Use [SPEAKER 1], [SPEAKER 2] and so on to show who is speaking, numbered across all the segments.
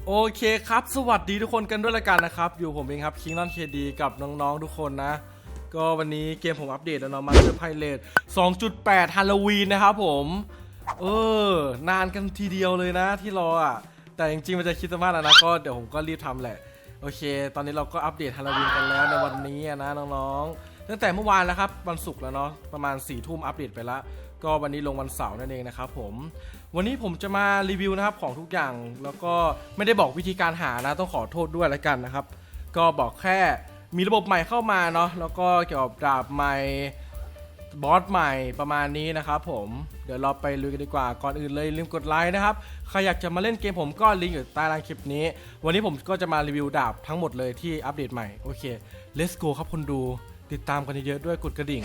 [SPEAKER 1] โอเคครับสวัสดีทุกคนกันด้วยละกันนะครับอยู่ผมเองครับคิงนอนเคดีกับน้องๆทุกคนนะก็วันนี้เกมผมอัปเดตแล้วเนาะมาสเตอร์ไพเรต 2.8 ฮาโลวีนนะครับผมนานกันทีเดียวเลยนะที่รออ่ะแต่จริงๆมันจะคริสต์มาสแล้วนะก็เดี๋ยวผมก็รีบทำแหละโอเคตอนนี้เราก็อัปเดตฮาโลวีนกันแล้วในวันนี้นะน้องๆตั้งแต่เมื่อวานแล้วครับวันศุกร์แล้วเนาะประมาณ4 ทุ่มอัปเดตไปแล้วก็วันนี้ลงวันเสาร์นั่นเองนะครับผมวันนี้ผมจะมารีวิวนะครับของทุกอย่างแล้วก็ไม่ได้บอกวิธีการหานะต้องขอโทษด้วยแล้วกันนะครับก็บอกแค่มีระบบใหม่เข้ามาเนาะแล้วก็เกี่ยวกับดาบใหม่บอสใหม่ประมาณนี้นะครับผมเดี๋ยวเราไปลุยกันดีกว่าก่อนอื่นเลยลืมกดไลค์นะครับใครอยากจะมาเล่นเกมผมก็ลิงก์อยู่ใต้ล่างคลิปนี้วันนี้ผมก็จะมารีวิวดาบทั้งหมดเลยที่อัปเดตใหม่โอเค let's go ครับคนดูติดตามกันเยอะๆด้วยกดกระดิ่ง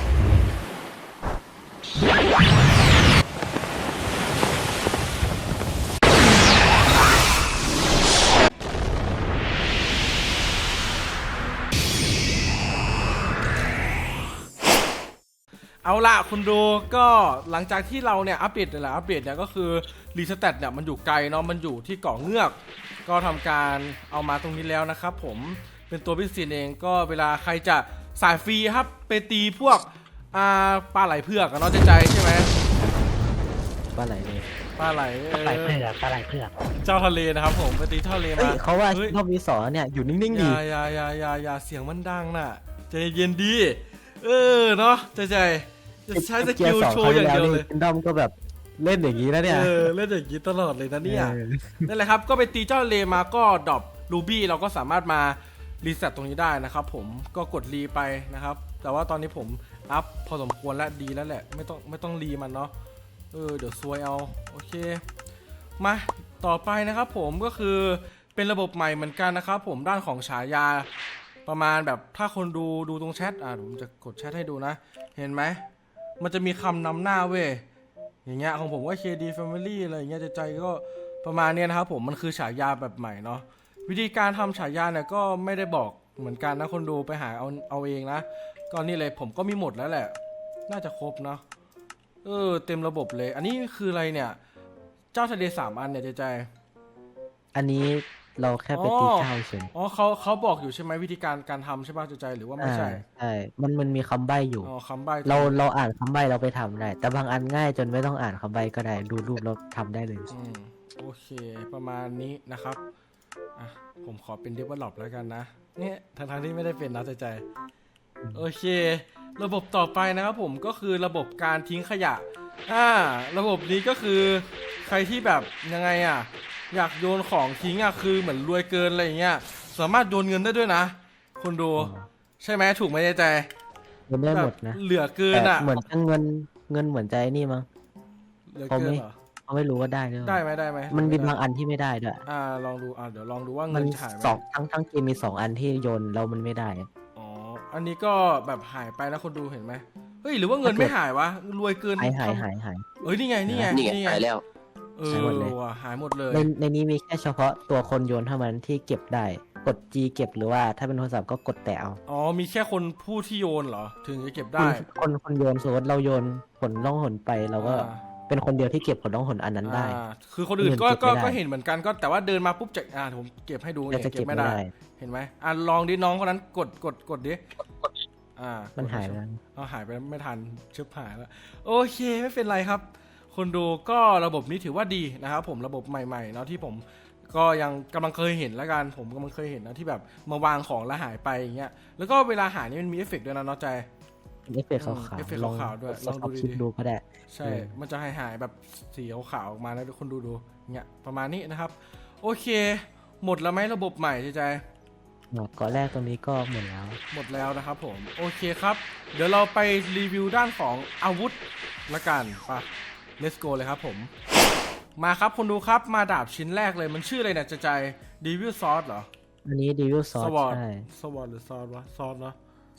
[SPEAKER 1] เอาล่ะคุณดูก็หลังจากที่เราเนี่ยอัปเดตเนี่ยก็คือรีสแตทเนี่ยมันอยู่ไกลเนาะมันอยู่ที่เกาะเงือกก็ทำการเอามาตรงนี้แล้วนะครับผมเป็นตัวพิเศษเองก็เวลาใครจะสายฟรีครับไปตีพวกปลาไหลเผือกเนาะใจใช่ไหม
[SPEAKER 2] ปลาไหลเลย
[SPEAKER 1] ปลาไหล
[SPEAKER 3] ปลาไหลเผือก
[SPEAKER 1] เจ้าทะเลนะครับผมไปตีทะเลมา
[SPEAKER 2] เขาว่ารอบวีสอเนี่ยอยู่นิ่งๆดี
[SPEAKER 1] อย่าเสียงมันดังน่ะใจเย็นดีเนาะใจจะใช้สกิลโชว์อย่างเดียวเลย
[SPEAKER 2] ดอมก็แบบเล่นอย่างนี้แล้วเนี่ย
[SPEAKER 1] เล่นอย่างนี้ตลอดเลยนะเนี่ยนั่นแหละครับก็ไปตีเจ้าทะเลมาก็ดรอปรูบี้เราก็สามารถมารีเซ็ตตรงนี้ได้นะครับผมก็กดรีไปนะครับแต่ว่าตอนนี้ผมอัพพอสมควรและดีแล้วแหละไม่ต้องรีมันเนาะเดี๋ยวซวยเอาโอเคมาต่อไปนะครับผมก็คือเป็นระบบใหม่เหมือนกันนะครับผมด้านของฉายาประมาณแบบถ้าคนดูตรงแชทผมจะกดแชทให้ดูนะเห็นไหมมันจะมีคำนำหน้าเว้ยอย่างเงี้ยของผมว่า KD Family อะไรอย่างเงี้ยใจก็ประมาณเนี้ยนะครับผมมันคือฉายาแบบใหม่เนาะวิธีการทำฉายาเนี่ยก็ไม่ได้บอกเหมือนกันนะคนดูไปหาเอาเองนะก็นี่เลยผมก็มีหมดแล้วแหละน่าจะครบเนาะเต็มระบบเลยอันนี้คืออะไรเนี่ยเจ้าทะเล3 อันเนี่ยใจ
[SPEAKER 2] อันนี้เราแค่ไปตีเจ้าเฉย
[SPEAKER 1] เขาบอกอยู่ใช่ไหมวิธีการทำใช่ป่ะใจหรือว่าไม่ใช่
[SPEAKER 2] ใช่มันมีคำใบ้อยู่
[SPEAKER 1] คำใบ้
[SPEAKER 2] เราอ่านคำใบ้เราไปทำได้แต่บางอันง่ายจนไม่ต้องอ่านคำใบ้ก็ได้ดูรูปเราทำได้เลย
[SPEAKER 1] โอเคประมาณนี้นะครับผมขอเป็น develop แล้วกันนะเนี่ยทั้งที่ไม่ได้เป็นนะใจโอเคระบบต่อไปนะครับผมก็คือระบบการทิ้งขยะระบบนี้ก็คือใครที่แบบยังไงอยากโยนของทิ้งคือเหมือนรวยเกินอะไรอย่างเงี้ยสามารถโยนเงินได้ด้วยนะคุณดูใช่ไหมถูกไหมใจ
[SPEAKER 2] โยนได้หมดนะ
[SPEAKER 1] เหลือเกิน
[SPEAKER 2] เหมือนเงินเหมือนใจนี่มั้ง
[SPEAKER 1] เหลือเกินเหรอ
[SPEAKER 2] เขาไม่รู้ว่าได้
[SPEAKER 1] ไหม
[SPEAKER 2] มันมีบางอันที่ไม่ได้ด้วย
[SPEAKER 1] ลองดูเดี๋ยวลองดูว่าเงินหายไหม
[SPEAKER 2] ทั้งเกมมี2 อันที่โยนแล้วมันไม่ได้
[SPEAKER 1] อันนี้ก็แบบหายไปนะคนดูเห็นไหมเฮ้ยหรือว่าเงินไม่หายวะรวยเกิน
[SPEAKER 2] หาย
[SPEAKER 1] นี่ไง
[SPEAKER 4] หายแล้ว
[SPEAKER 2] หายหมดเลย
[SPEAKER 1] หายหมดเลย
[SPEAKER 2] ในนี้มีแค่เฉพาะตัวคนโยนเท่านั้นที่เก็บได้กด G เก็บหรือว่าถ้าเป็นโทรศัพท์ก็กดแต่เอา
[SPEAKER 1] มีแค่คนผู้ที่โยนเหรอถึงจะเก็บได้
[SPEAKER 2] คนโยนสมมติเราโยนผลล่องหนไปเราก็เป็นคนเดียวที่เก็บผลล่องหนอันนั้นได้
[SPEAKER 1] คือคนอื่นก็เห็นเหมือนกันก็แต่ว่าเดินมาปุ๊บจะผมเก็บให้ดูเนี่ยเก็บไม่ได้เห็นไหมลองดิน้องคนนั้นกดดิ
[SPEAKER 2] มันหายแล้ว
[SPEAKER 1] หายไปไม่ทันชึบหายแล้วโอเคไม่เป็นไรครับคนดูก็ระบบนี้ถือว่าดีนะครับผมระบบใหม่ๆเนาะที่ผมก็ยังกำลังเคยเห็นแล้วกันผมกำลังเคยเห็นนะที่แบบมาวางของแล้วหายไปอย่างเงี้ยแล้วก็เวลาหายนี่มันมีเอฟเฟกต์ด้วยนะเนาะใจ
[SPEAKER 2] เอฟเฟกต์ขาว
[SPEAKER 1] ด้วยลอง
[SPEAKER 2] ดูก็ได้
[SPEAKER 1] ใช่มันจะหายแบบสีขาวออกมาแล้วคนดูเงี้ยประมาณนี้นะครับโอเคหมดแล้วไหมระบบใหม่ใจ
[SPEAKER 2] ก่อนแรกตรงนี้ก็หมด
[SPEAKER 1] แล้วนะครับผมโอเคครับเดี๋ยวเราไปรีวิวด้านของอาวุธละกันป่ะ let's go เลยครับผมมาครับคนดูครับมาดาบชิ้นแรกเลยมันชื่ออะไรเนี่ยใจDevil Sword เหรอ
[SPEAKER 2] อันนี้ Devil Sword ใช่
[SPEAKER 1] Sword หรือ Sword วะ Sword เนาะ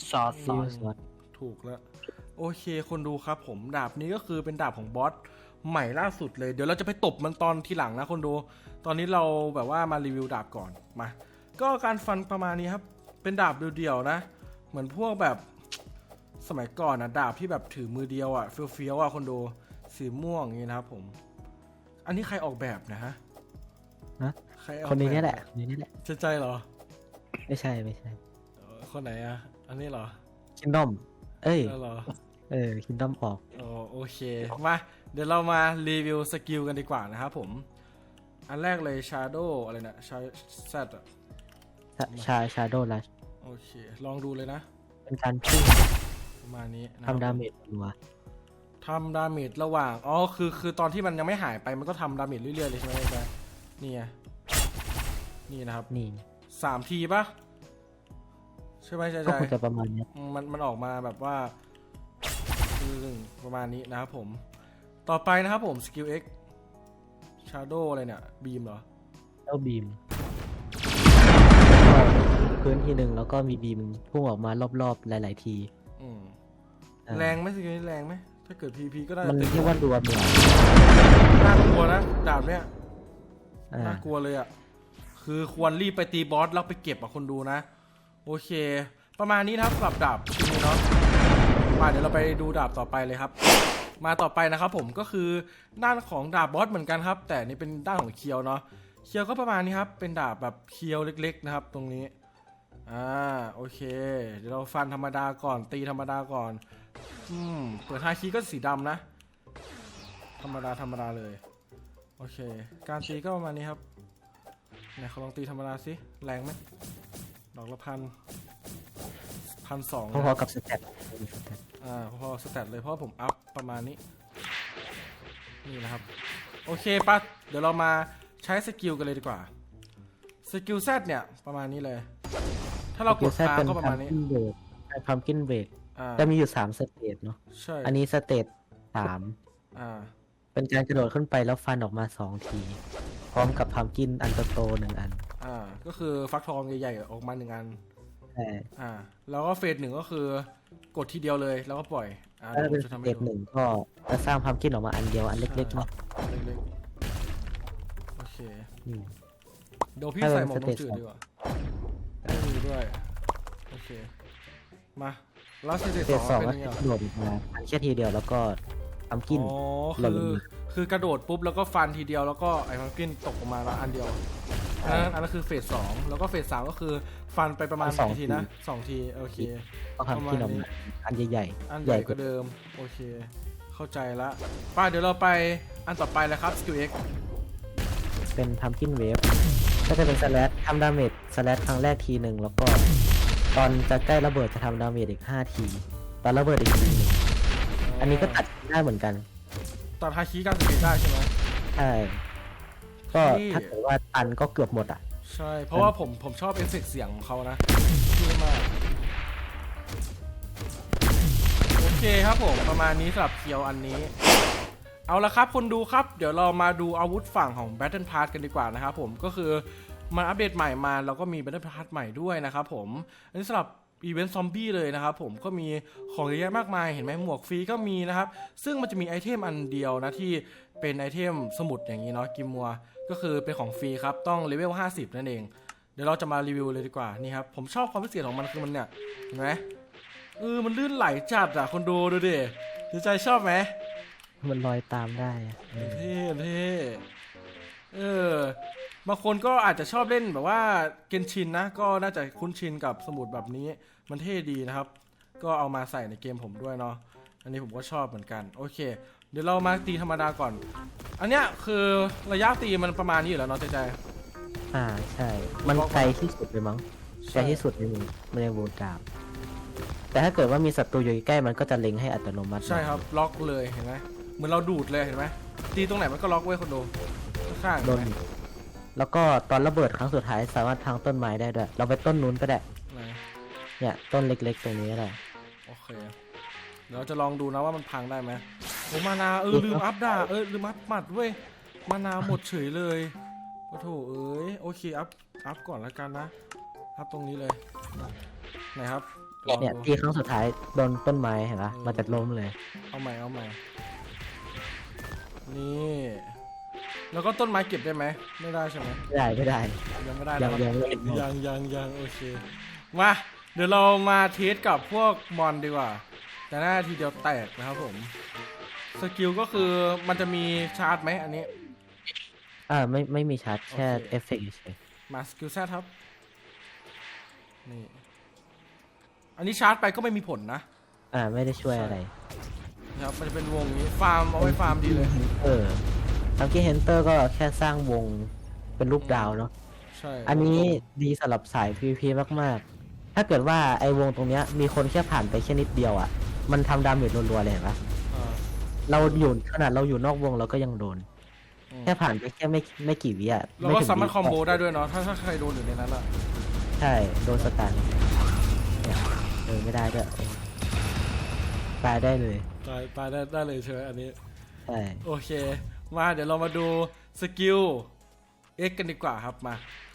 [SPEAKER 2] Sword
[SPEAKER 1] ถูกแล้วโอเคคนดูครับผมดาบนี้ก็คือเป็นดาบของบอสใหม่ล่าสุดเลยเดี๋ยวเราจะไปตบมันตอนทีหลังนะคนดูตอนนี้เราแบบว่ามารีวิวดาบก่อนมาก็การฟันประมาณนี้ครับเป็นดาบเดี่ยวๆนะเหมือนพวกแบบสมัยก่อนดาบที่แบบถือมือเดียวเฟี้ยวๆคนดูสีม่วงอย่างนี้นะครับผมอันนี้ใครออกแบบนะฮะ
[SPEAKER 2] นะ
[SPEAKER 1] ใครเอา
[SPEAKER 2] คนนี้นี่แหละ
[SPEAKER 1] ป
[SPEAKER 2] คนนี้นี่แหละ
[SPEAKER 1] ใจเหรอ
[SPEAKER 2] ไม่ใช่ไม่ใช่
[SPEAKER 1] คนไหนอะอันนี้เหรอ
[SPEAKER 2] คินดอมเอ้ย
[SPEAKER 1] เหรอ
[SPEAKER 2] คินดอมออก
[SPEAKER 1] โอเคมาเดี๋ยวเรามารีวิวสกิลกันดีกว่านะครับผมอันแรกเลย Shadow อะไรนะแซดอะ
[SPEAKER 2] ชาโดว์ลัช
[SPEAKER 1] โอเคลองดูเลยนะ
[SPEAKER 2] เป็นการพุ่ง
[SPEAKER 1] ประมาณนี้นะครับ
[SPEAKER 2] ทำดาเมจรัว
[SPEAKER 1] ทำดาเมจระหว่างคือตอนที่มันยังไม่หายไปมันก็ทำดาเมจเรื่อยๆเลยใช่ไหมจ๊ะนี่ไงนี่นะครับ
[SPEAKER 2] นี่
[SPEAKER 1] 3 ทีปะใช่ไหมใช่
[SPEAKER 2] ก็
[SPEAKER 1] ใช่
[SPEAKER 2] คงจะประมาณเนี้ย
[SPEAKER 1] มันออกมาแบบว่าคือประมาณนี้นะครับผมต่อไปนะครับผมสกิล X Shadow อะไรเนี่ยบีมเหรอ
[SPEAKER 2] แล้วบีมพื้นที่หนึ่งแล้วก็มีบีมพุ่งออกมารอบๆหลาย ๆ ที
[SPEAKER 1] อืม
[SPEAKER 2] อ่า
[SPEAKER 1] แรงไหมสกิลนี้แรงไหมถ้าเกิด PP ก็ได้
[SPEAKER 2] มันเรียกว่ารัวเหมือน
[SPEAKER 1] น่ากลัวนะดาบเนี้ย
[SPEAKER 2] อ่า
[SPEAKER 1] น่ากลัวเลยอ่ะคือควรรีบไปตีบอสแล้วไปเก็บอ่ะคนดูนะโอเค ประมาณนี้นะครับสำหรับดาบชิ้นนี้เนาะมาเดี๋ยวเราไปดูดาบต่อไปเลยครับ มาต่อไปนะครับผมก็คือด้านของดาบบอสเหมือนกันครับ แต่นี่เป็นด้านของเคียวเนาะเคียวก็ประมาณนี้ครับเป็นดาบแบบเคียวเล็กๆนะครับตรงนี้โอเคเดี๋ยวเราฟันธรรมดาก่อนตีธรรมดาก่อนเปิดฮาคีก็สีดำนะธรรมดาเลยโอเคการตีก็ประมาณนี้ครับไหนเขาลองตีธรรมดาสิแรงไหมดอกละ1,200
[SPEAKER 2] พอๆกับสเต็ป
[SPEAKER 1] พอสแตทเลยเพราะผมอัพประมาณนี้นี่นะครับโอเคปะเดี๋ยวเรามาใช้สกิลกันเลยดีกว่าสกิล Z เนี่ยประมาณนี้เลยถ้าเรากดค้างก็ประมาณนี้
[SPEAKER 2] พัมกินเบรก
[SPEAKER 1] อ่า
[SPEAKER 2] จะมีอยู่3สเตจเนาะ
[SPEAKER 1] ใช่
[SPEAKER 2] อันนี้สเตจ3
[SPEAKER 1] อ่า
[SPEAKER 2] เป็นการกระโดดขึ้นไปแล้วฟันออกมา2 ที พร้อมกับพัมกินอันโตๆ1 อัน
[SPEAKER 1] ก็คือฟักทองใหญ่ๆออกมา1 อัน
[SPEAKER 2] ใช่
[SPEAKER 1] แล้วก็เฟส 1ก็คือกดทีเดียวเลยแล้วก็ปล่อย
[SPEAKER 2] ถ้าเป็น
[SPEAKER 1] เดี๋ยวผมจะ
[SPEAKER 2] ส
[SPEAKER 1] ทำ
[SPEAKER 2] เต
[SPEAKER 1] ให้
[SPEAKER 2] จ
[SPEAKER 1] ดู
[SPEAKER 2] 1ก็จะสร้างพัมกินออกมาอันเดียวอันเล็กๆเนาะ
[SPEAKER 1] เล็กๆโอเค
[SPEAKER 2] อืม
[SPEAKER 1] เดี๋ยวพี่
[SPEAKER 2] ถ้าเป็น
[SPEAKER 1] ใส่หมวก
[SPEAKER 2] ส
[SPEAKER 1] น
[SPEAKER 2] เต
[SPEAKER 1] ก
[SPEAKER 2] จ
[SPEAKER 1] จืด
[SPEAKER 2] 2
[SPEAKER 1] ดีกว่าไม่มีด้วยโอเคมาแล้วสเตจ
[SPEAKER 2] สเตจ
[SPEAKER 1] 2
[SPEAKER 2] 2
[SPEAKER 1] เป็น
[SPEAKER 2] ก็
[SPEAKER 1] ยังไง
[SPEAKER 2] กระโดดออกมาฟันแค่ทีเดียวแล้วก็พัมกิน หล่นลงมา
[SPEAKER 1] คือกระโดดปุ๊บแล้วก็ฟันทีเดียวแล้วก็ไอ้พัมกินตกออกมาแล้วอันเดียวอันนั้นคือเฟส 2แล้วก็เฟส 3ก็คือฟันไปประมาณ
[SPEAKER 2] สอง
[SPEAKER 1] กี่ที
[SPEAKER 2] ที
[SPEAKER 1] นะ2 ทีโอเค
[SPEAKER 2] ก็พัมกินออกมาอันใหญ่
[SPEAKER 1] อัน
[SPEAKER 2] ๆ
[SPEAKER 1] ใหญ่กว่าเดิมโอเคเข้าใจละป้าเดี๋ยวเราไปอันต่อไปเลยครับสกิล X
[SPEAKER 2] เป็นพัมกินเวฟก็จะเป็นสแลชทำดาเมจสแลชครั้งแรกทีหนึ่งแล้วก็ตอนจะใกล้ระเบิดจะทำดาเมจอีก5 ทีตอนระเบิดอีกทีหนึ่งอันนี้ก็ตัดได้เหมือนกัน
[SPEAKER 1] ตัดฮาคิการสเกตได้ใช่ไหม
[SPEAKER 2] ใช่ก็
[SPEAKER 1] ที่
[SPEAKER 2] ถ้าเกิดว่าตันก็เกือบหมดอ่ะ
[SPEAKER 1] ใช่เพราะว่าผมชอบเอฟเฟกต์เสียงของเขานะชื่อมากโอเคครับผมประมาณนี้สำหรับเคียวอันนี้เอาละครับคนดูครับเดี๋ยวเรามาดูอาวุธฝั่งของ Battle Pass กันดีกว่านะครับผมก็คือมันอัปเดตใหม่มาแล้วก็มี Battle Pass ใหม่ด้วยนะครับผมอันนี้สำหรับอีเวนต์ซอมบี้เลยนะครับผมก็มีของเยอะแยะมากมายเห็นไหมหมวกฟรีก็มีนะครับซึ่งมันจะมีไอเทมอันเดียวนะที่เป็นไอเทมสมุดอย่างนี้เนาะกิมมัวก็คือเป็นของฟรีครับต้องเลเวล50นั่นเองเดี๋ยวเราจะมารีวิวเลยดีกว่านี่ครับผมชอบความพิเศษของมันคือมันเนี่ยเห็นไหมมันลื่นไหลจัดอะคนดูดิใจชอบไหม
[SPEAKER 2] มันลอยตามได้อะ
[SPEAKER 1] เท่บางคนก็อาจจะชอบเล่นแบบว่าเกนชินนะก็น่าจะคุ้นชินกับสมุดแบบนี้มันเท่ดีนะครับก็เอามาใส่ในเกมผมด้วยเนาะอันนี้ผมก็ชอบเหมือนกันโอเคเดี๋ยวเรามาตีธรรมดาก่อนอันเนี้ยคือระยะตีมันประมาณนี้อยู่แล้วเนาะใจ
[SPEAKER 2] ใช่มันไกลที่สุดเลยมั้งไกลที่สุดในมือมันในวูดดาวแต่ถ้าเกิดว่ามีศัตรูอยู่ใกล้มันก็จะเล็งให้อัตโนมัติ
[SPEAKER 1] ใช่ครับล็อกเลยเห็นไหมเหมือนเราดูดเลยเห็นไหมตีตรงไหนมันก็ล็อกไว้คนดูข้างๆ
[SPEAKER 2] โดนแล้วก็ตอนระเบิดครั้งสุดท้ายสามารถพังต้นไม้ได้ด้วยเราไปต้นนู้นก็ได้
[SPEAKER 1] ไหน
[SPEAKER 2] เนี่ยต้นเล็กๆตรงนี้ก็ได้
[SPEAKER 1] โอเคเดี๋ยวเราจะลองดูนะว่ามันพังได้ไหมโอ้มานาลืมอัพด่าลืมอัพหมัดเว้ยมานาหมดเฉยเลยโอ้โถโอเคอัพก่อนแล้วกันนะอัพตรงนี้เลยไหนครับลอง
[SPEAKER 2] เนี่ย
[SPEAKER 1] ดู
[SPEAKER 2] ตีครั้งสุดท้ายโดนต้นไม้เห็นปะมันจะล้มเลย
[SPEAKER 1] เอาใหม่นี่แล้วก็ต้นไม้เก็บได้ไหมไม่ได้ใช่ไหม
[SPEAKER 2] ไม่ได้
[SPEAKER 1] ยังไม่ได้
[SPEAKER 2] ยัง
[SPEAKER 1] นะครับ
[SPEAKER 2] ไม่เห็นหมด
[SPEAKER 1] ยังโอเคมาเดี๋ยวเรามาเทสกับพวกมอนดีกว่าแต่หน้าทีเดียวแตกนะครับผมสกิลก็คือมันจะมีชาร์จไหมอันนี้
[SPEAKER 2] ไม่มีชาร์จแค่
[SPEAKER 1] โอเค
[SPEAKER 2] เอฟเฟกต์เฉย
[SPEAKER 1] มาสกิลแซดครับนี่อันนี้ชาร์จไปก็ไม่มีผลนะ
[SPEAKER 2] ไม่ได้ช่วยอะไร
[SPEAKER 1] นะครับมันจะเป็นวงนี้ฟาร์มเอาไว้ฟาร์มดีเลย
[SPEAKER 2] ทัมกี้เฮนเตอร์ก็แค่สร้างวงเป็นรูปดาวเนาะ
[SPEAKER 1] ใช่
[SPEAKER 2] อันนี้ดีสำหรับสาย PVP มากๆ ถ้าเกิดว่าไอ้วงตรงเนี้ยมีคนแค่ผ่านไปแค่นิดเดียวอ่ะมันทำดาเมจรัวๆเลยเห็นปะ
[SPEAKER 1] อ่า
[SPEAKER 2] เราอยู่ขนาดเราอยู่นอกวงเราก็ยังโดน
[SPEAKER 1] อืม
[SPEAKER 2] แค่ผ่านไปแค่ไม่กี่วิอ่ะ
[SPEAKER 1] เราก็
[SPEAKER 2] ถึง
[SPEAKER 1] สามารถ
[SPEAKER 2] วิ
[SPEAKER 1] คอมโบได้ด้วยเนาะถ้าใครโดนอยู่ในนั้นอะ
[SPEAKER 2] ใช่โดนสตันเนี่ยไม่ได้ด้วยตายได้เลย
[SPEAKER 1] ตายได้เลยเชิญอันนี้
[SPEAKER 2] ใช่
[SPEAKER 1] โอเคมาเดี๋ยวเรามาดูสกิล X กันดีกว่าครับมา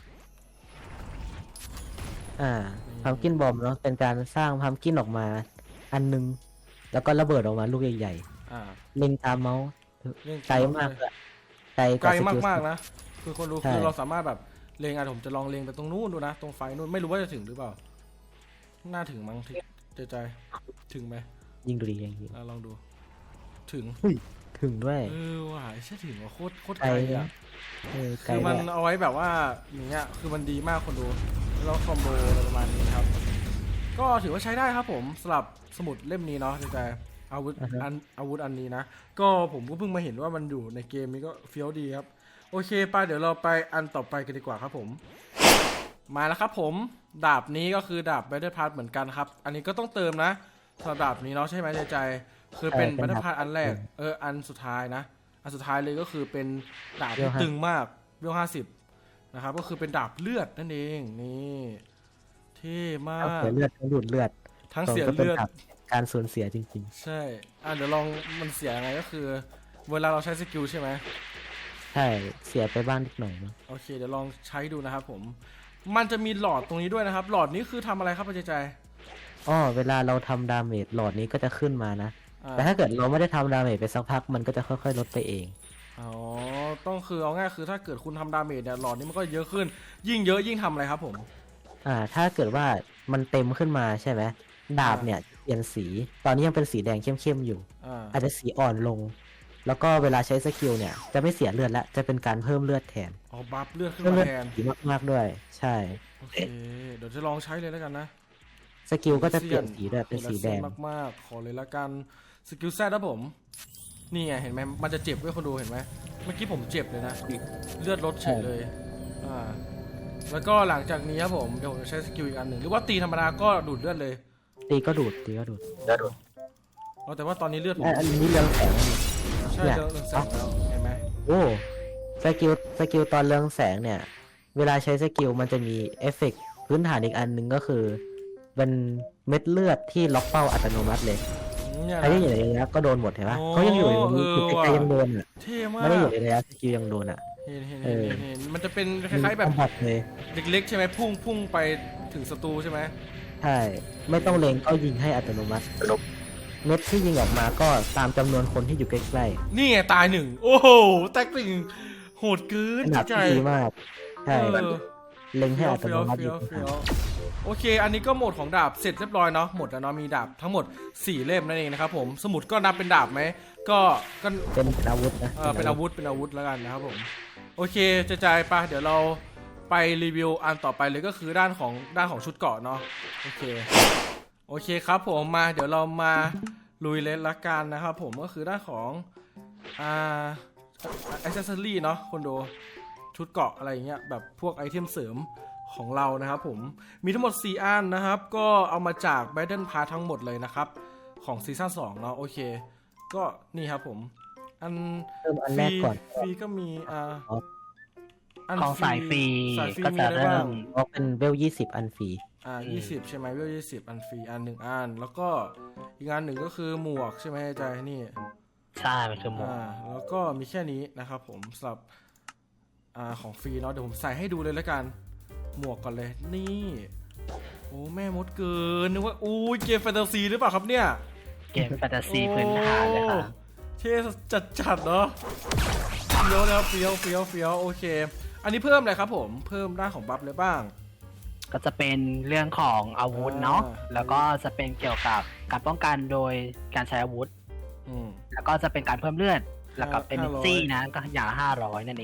[SPEAKER 2] พัมกินบอมเนาะเป็นการสร้างพัมกินออกมาอันนึงแล้วก็ระเบิดออกมาลูกใหญ่
[SPEAKER 1] อ่า
[SPEAKER 2] ๆเล็งตามเมาส์
[SPEAKER 1] เรื่อง
[SPEAKER 2] ไกลมากเลยไกล
[SPEAKER 1] ไกล
[SPEAKER 2] สกิล
[SPEAKER 1] มากๆนะคือคนรู้
[SPEAKER 2] ใช่
[SPEAKER 1] คือเราสามารถแบบเลงผมจะลองเลงไปตรงนู้นดูนะตรงไฟนู้นไม่รู้ว่าจะถึงหรือเปล่าน่าถึงมั้งใจถึงไหม
[SPEAKER 2] ยิงดูดีอย่างนี้
[SPEAKER 1] ลองดูถึง
[SPEAKER 2] ถึงด้วย
[SPEAKER 1] ว่ะใช่ถึงว่าโคตร
[SPEAKER 2] ไก
[SPEAKER 1] ไก
[SPEAKER 2] ล
[SPEAKER 1] ลอ่ะ
[SPEAKER 2] ไกล
[SPEAKER 1] คือมัน
[SPEAKER 2] ด้วย
[SPEAKER 1] เอาไว้แบบว่าอย่างเงี้ยคือมันดีมากคนดูแล้วคอมโบอะไรประมาณนี้ครับก็ถือว่าใช้ได้ครับผมสำหรับสมุดเล่มนี้เนาะใจอาวุธอันนี้นะก็ผมก็เพิ่งมาเห็นว่ามันอยู่ในเกมนี้ก็เฟี้ยวดีครับโอเคไปเดี๋ยวเราไปอันต่อไปกันดีกว่าครับผมมาแล้วครับผมดาบนี้ก็คือดาบ Battle Pass เหมือนกันครับอันนี้ก็ต้องเติมนะสำหรับดาบนี้เนาะใช่ไหมใจคือเป็น Battle Pass อันแรกอันสุดท้ายนะอันสุดท้ายเลยก็คือเป็นดาบที่ตึงมากเวล50นะครับก็คือเป็นดาบเลือดนั่นเองนี่เท่มา
[SPEAKER 2] ทั้ง
[SPEAKER 1] ก
[SPEAKER 2] เสียเลือดทั้งดูดเลือด
[SPEAKER 1] ทั้งเสีย
[SPEAKER 2] ก็ป็น
[SPEAKER 1] เลือด
[SPEAKER 2] การสูญเสียจริง
[SPEAKER 1] ใช่เดี๋ยวลองมันเสียยังไงก็คือ เวลาเราใช้สกิลใช่ไหม
[SPEAKER 2] ๆ ใช่เสียไปบ้างนิดหน่อยมั้ง
[SPEAKER 1] โอเคเดี๋ยวลองใช้ดูนะครับผมมันจะมีหลอดตรงนี้ด้วยนะครับหลอดนี้คือทำอะไรครับป้าใจ
[SPEAKER 2] เวลาเราทำดาเมจหลอดนี้ก็จะขึ้นมานะ
[SPEAKER 1] อ่า
[SPEAKER 2] แต่ถ้าเกิดเราไม่ได้ทำดาเมจไปสักพักมันก็จะค่อยๆลดไปเอง
[SPEAKER 1] อ๋อต้องคือเอาง่ายคือถ้าเกิดคุณทำดาเมจเนี่ยหลอดนี้มันก็เยอะขึ้น ยิ่งเยอะยิ่งทำอะไรครับผม
[SPEAKER 2] ถ้าเกิดว่ามันเต็มขึ้นมาใช่ไหมดาบเนี่ยเปลี่ยนสี ตอนนี้ยังเป็นสีแดงเข้มๆอยู่ อาจจะสีอ่อนลง แล้วก็เวลาใช้สกิลเนี่ยจะไม่เสียเลือดแล้วจะเป็นการเพิ่มเลือดแทน
[SPEAKER 1] อ๋อบัฟเลือดขึ้น
[SPEAKER 2] เพิ่ม
[SPEAKER 1] มา
[SPEAKER 2] เลือด
[SPEAKER 1] แทน
[SPEAKER 2] สีมากๆด้วย ใช่
[SPEAKER 1] โอเคเดี๋ยวจะลองใช้เลยแล้วกันนะ
[SPEAKER 2] สกิลก็จะเปลี่ยนสีด้วยเป็นสีแดง
[SPEAKER 1] มากๆขอเลยละกันสกิลแซดนะผมนี่ไงเห็นไหมมันจะเจ็บด้วยคนดูเห็นไหมเมื่อกี้ผมเจ็บเลยนะเลือดลดเฉยเลยแล้วก็หลังจากนี้ครับผมเดี๋ยวผมจะใช้สกิลอีกอันหนึ่งหรือว่าตีธรรมดาก็ดูดเลือดเลย
[SPEAKER 2] ตีก็ดูด
[SPEAKER 1] แต่ว่าตอนนี้เลือดผม
[SPEAKER 2] อันนี้เรืองแสงนี่
[SPEAKER 1] ใช่
[SPEAKER 2] เนี่ย
[SPEAKER 1] เรื่องแสงแล้วเห็นไหม
[SPEAKER 2] โอ้สกิลตอนเรืองแสงเนี่ย เวลาใช้สกิลมันจะมีเอฟเฟกต์พื้นฐานอีกอันหนึ่งก็คือเป็นเม็ดเลือดที่ล็อกเป้าอัตโนมัติเลย
[SPEAKER 1] เนี่ย
[SPEAKER 2] ใครที่อยู่ในระยะก็โดนหมดเห็นปะ
[SPEAKER 1] โอ้
[SPEAKER 2] เขายังอยู่ในมือคือใคร
[SPEAKER 1] ว่ะ
[SPEAKER 2] ยังโดนอ่ะ
[SPEAKER 1] เท่มาก
[SPEAKER 2] ไม่ได้อยู่ในระยะสกิลยังโดนอ่ะ
[SPEAKER 1] เห็นมันจะเป็นคล้ายๆแบบ
[SPEAKER 2] คอมบัตเลย
[SPEAKER 1] เล็กๆใช่ไหมพุ่งไปถึงศัตรูใช่ไหม
[SPEAKER 2] ใช่ไม่ต้องเล็งก็ยิงให้อัตโนมัติเม็ดที่ยิงออกมาก็ตามจำนวนคนที่อยู่ใกล้
[SPEAKER 1] นี่ไงตายหนึ่งโอ้โหแตกหนึ่งโหดเกิ
[SPEAKER 2] ๆ
[SPEAKER 1] น
[SPEAKER 2] ขนาด
[SPEAKER 1] ใจ
[SPEAKER 2] ที่ดีมากใช่
[SPEAKER 1] เออ
[SPEAKER 2] เล็งให้อัตโนมัติ
[SPEAKER 1] เฟี้
[SPEAKER 2] ยิ
[SPEAKER 1] ยว
[SPEAKER 2] ง
[SPEAKER 1] เฟี้ยวโอเค อันนี้ก็หมดของดาบเสร็จเรียบร้อยเนาะหมดแล้วเนาะมีดาบทั้งหมด4เล่มนั่นเองนะครับผมสมุดก็นับเป็นดาบไหมก็
[SPEAKER 2] เป็นอาวุธนะ
[SPEAKER 1] เป็นอาวุธแล้วกันนะครับผมโอเคจะจ่ายปะเดี๋ยวเราไปรีวิวอันต่อไปเลยก็คือด้านของชุดเกราะเนาะโอเคครับผมมาเดี๋ยวเรามาลุยเลยละกันนะครับผมก็คือด้านของอิเซสซอรี่เนาะคนดูชุดเกราะอะไรอย่างเงี้ยแบบพวกไอเทมเสริมของเรานะครับผมมีทั้งหมด4อันนะครับก็เอามาจาก Battle Pass ทั้งหมดเลยนะครับของซีซั่น2เนาะโอเคก็นี่ครับผมอัน
[SPEAKER 2] เริ่มอันแรกก่อน
[SPEAKER 1] ฟรีก็มีอัน
[SPEAKER 3] ของสายฟรี
[SPEAKER 1] สายฟรี
[SPEAKER 3] ก็
[SPEAKER 1] มี
[SPEAKER 3] จะ
[SPEAKER 1] อะไร
[SPEAKER 3] เริ่
[SPEAKER 1] บ้าง
[SPEAKER 3] ม
[SPEAKER 2] เพราะเป็นเวล20อันฟรี
[SPEAKER 1] 20ใช่ไหมเวล20อันฟรีอัน1อันแล้วก็อีกอันหนึ่งก็คือหมวกใช่ไหมใจนี่
[SPEAKER 3] ใช่มันคือหมวก
[SPEAKER 1] แล้วก็มีแค่นี้นะครับผมสำหรับของฟรีเนาะเดี๋ยวผมใส่ให้ดูเลยแล้วกันหมวกก่อนเลยนี่โอ้แม่มดเกินนึกว่าอู้เกมแฟนตาซีหรือเปล่าครับเนี่ย
[SPEAKER 3] เกมแฟนตาซีพื้นฐานเลยค่ะ
[SPEAKER 1] โอ้เท่จัดเนาะเฟี้ยวนะครับเฟี้ยวโอเค อันนี้เพิ่มอะไรครับผมเพิ่มด้านของบัฟเลยบ้าง
[SPEAKER 3] ก็จะเป็นเรื่องของอาวุธเนาะแล้วก็จะเป็นเกี่ยวกับการป้องกันโดยการใช้อาวุธ
[SPEAKER 1] อืม
[SPEAKER 3] แล้วก็จะเป็นการเพิ่มเลือดแล้วก็เป็น
[SPEAKER 1] 500
[SPEAKER 3] ซี่นะก็อย่างละ500นั่นเอง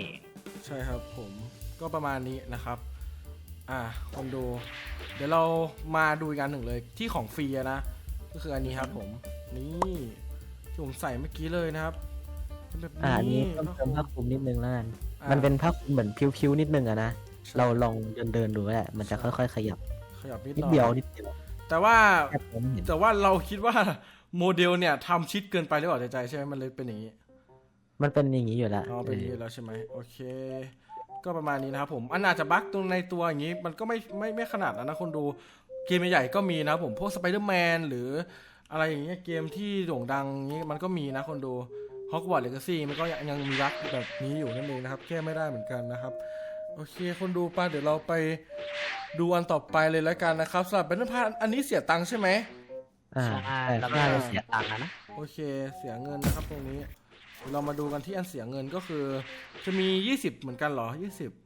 [SPEAKER 1] ใช่ครับผมก็ประมาณนี้นะครับคนดูเดี๋ยวเรามาดูอีกอันหนึ่งเลยที่ของฟรีอะนะก็คืออันนี้ครับผมนี่ที่ผมใส่เมื่อกี้เลยนะครับเป็นแบบ
[SPEAKER 2] อันนี้
[SPEAKER 1] นี้
[SPEAKER 2] เพิ่มเติมผ้าคลุมนิดนึงแล้วกัน
[SPEAKER 1] อ่า
[SPEAKER 2] มันเป็นผ้าคลุมเหมือนพิ้วๆนิดนึงอะนะ
[SPEAKER 1] ใช่
[SPEAKER 2] เราลองเดินดูแหละมันจะ
[SPEAKER 1] ใช่
[SPEAKER 2] ค่อยๆขยับ
[SPEAKER 1] ขยับนิดห
[SPEAKER 2] นิด
[SPEAKER 1] น่อย
[SPEAKER 2] เดียวนิดเดียว
[SPEAKER 1] แต่ว่า
[SPEAKER 2] แค่ผมเห็น
[SPEAKER 1] แต่ว่าเราคิดว่าโมเดลเนี่ยทำชิดเกินไปหรือเปล่าใจใช่ไหมมันเลยเป็นอย่างนี้
[SPEAKER 2] มันเป็นอย่างนี้อยู่แล้ว
[SPEAKER 1] อ๋อเป็นอย่างนี้แล้วใช่ไหมโอเค ก็ประมาณนี้นะครับผมอันอาจจะบั๊กตรงในตัวอย่างนี้มันก็ไม่ขนาดนั้นนะคนดูเกมใหญ่ๆก็มีนะครับผมพวกสไปเดอร์แมนหรืออะไรอย่างเงี้ยเกมที่โด่งดังนี้มันก็มีนะคนดูฮอกวอตส์เลกาซี่มันก็ยังมีบั๊กแบบนี้อยู่นั่นเองนะครับแก้ไม่ได้เหมือนกันนะครับโอเคคนดูป่ะเดี๋ยวเราไปดูอันต่อไปเลยแล้วกันนะครับสำหรับแบทเทิลพาสอันนี้เสียตังค์ใช่ไหม
[SPEAKER 2] อ่า
[SPEAKER 3] ใช่
[SPEAKER 2] แต่
[SPEAKER 3] แล้วก็
[SPEAKER 2] ค่า
[SPEAKER 3] เสียตังค์นะ
[SPEAKER 1] โอเคเสียเงินนะครับตรงนี้เรามาดูกันที่อันเสียเงินก็คือจะมี20เหมือนกันเหรอ